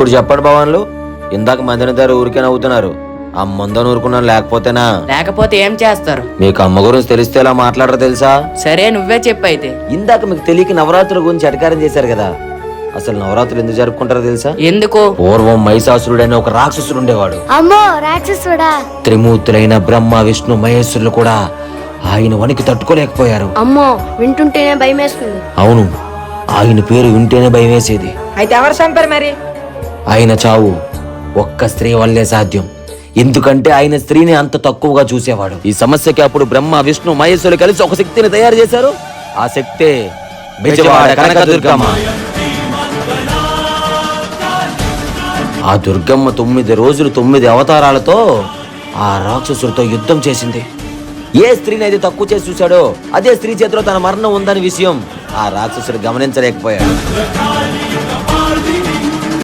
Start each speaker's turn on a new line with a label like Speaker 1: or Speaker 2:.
Speaker 1: ఇప్పుడు చెప్పండి భవన్లు, ఇందాక మందిని దగ్గర ఊరికే నవ్వుతున్నారు. అమ్మందని ఊరుకున్నాను, లేకపోతేనా?
Speaker 2: లేకపోతే ఏం చేస్తారు?
Speaker 1: మీకు అమ్మ గురించి తెలిస్తే ఎలా మాట్లాడరో తెలుసా?
Speaker 2: సరే నువ్వే చెప్పైతే.
Speaker 1: ఇందాక మీకు తెలియక నవరాత్రుల గురించి అధికారం చేశారు కదా. అసలు నవరాత్రులు ఎందుకు జరుపుకుంటారో తెలుసా?
Speaker 2: ఎందుకు?
Speaker 1: పూర్వం మహిషాసురుడైన ఒక రాక్షసుడు ఉండేవాడు.
Speaker 3: అమ్మో రాక్షసుడా!
Speaker 1: త్రిమూర్తులైన బ్రహ్మ విష్ణు మహేశ్వరులు కూడా ఆయన వనికి తట్టుకోలేకపోయారు.
Speaker 3: అమ్మో వింటుంటేనే భయం వేస్తుంది.
Speaker 1: అవును, ఆయన పేరు వింటేనే భయం వేసేది.
Speaker 2: అయితే ఎవరు చంపారు మరి?
Speaker 1: ఆయన చావు ఒక్క స్త్రీ వల్లే సాధ్యం. ఎందుకంటే ఆయన స్త్రీని అంత తక్కువగా చూసేవాడు. ఈ సమస్యకి అప్పుడు బ్రహ్మ విష్ణు మహేశ్వరులు కలిసి ఒక శక్తిని తయారు చేశారు. ఆ శక్తే బెజవాడ కనకదుర్గమ్మ. ఆ దుర్గమ్మ 9 రోజులు 9 అవతారాలతో ఆ రాక్షసుడితో యుద్ధం చేసింది. ఏ స్త్రీని అయితే తక్కువ చేసి చూశాడో అదే స్త్రీ చేతిలో తన మరణం ఉందని విషయం ఆ రాక్షసుడు గమనించలేకపోయాడు.